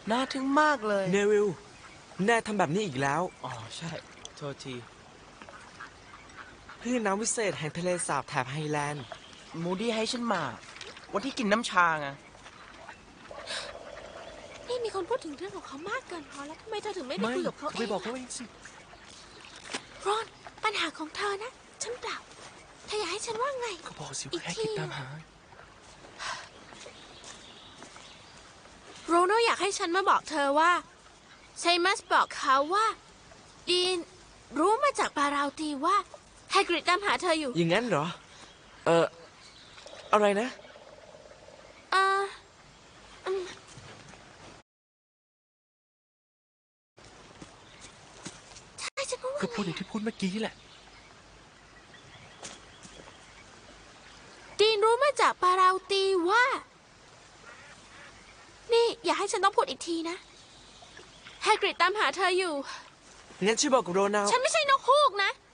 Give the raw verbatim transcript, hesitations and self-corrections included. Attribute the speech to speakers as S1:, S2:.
S1: น่าทึ่งมากเลย
S2: เนวิลแน่ทำแบบนี้อีกแล้ว
S1: อ๋อใช่โทษที
S2: คลื่นน้ำวิเศษแห่งทะเลสาบแถบไฮแลนด์
S1: มูดี้ให้ฉันมาวันที่กินน้ำชาไง
S3: นี่มีคนพูดถึงเรื่องของเขามากเกินพอแล้วทำไมเธอถึงไม่ไป
S2: ไม่
S3: คุยกับเขา
S2: เขา
S3: เอ
S2: ไป
S3: ง
S2: บอกเขาเองสิ
S3: รอนปัญหาของเธอนะฉันเปล่าเธออยากให้ฉันว่าไง
S2: เขาบอกสิ
S3: อี
S2: ว่าก แค่
S3: ที
S2: คิดตามหา
S3: โรโนอยากให้ฉันมาบอกเธอว่าไซมัสบอกเขาว่าดีนรู้มาจากปาราตีว่าไฮกริดตามหาเธออยู่
S2: อย่างนั้นเหรอ เอออะไรนะ
S3: เอออืมใช่ฉันก็ว่า
S2: ก็พูดอย่างที่พูดเมื่อกี้แหละ
S3: ดีนรู้มาจากปาราตีว่านี่อย่าให้ฉันต้องพูดอีกทีนะไฮกริดตามหาเธออยู่
S2: งั้นช่วยบอกกับโรนัล
S3: ฉันไม่ใช่นกฮูกนะ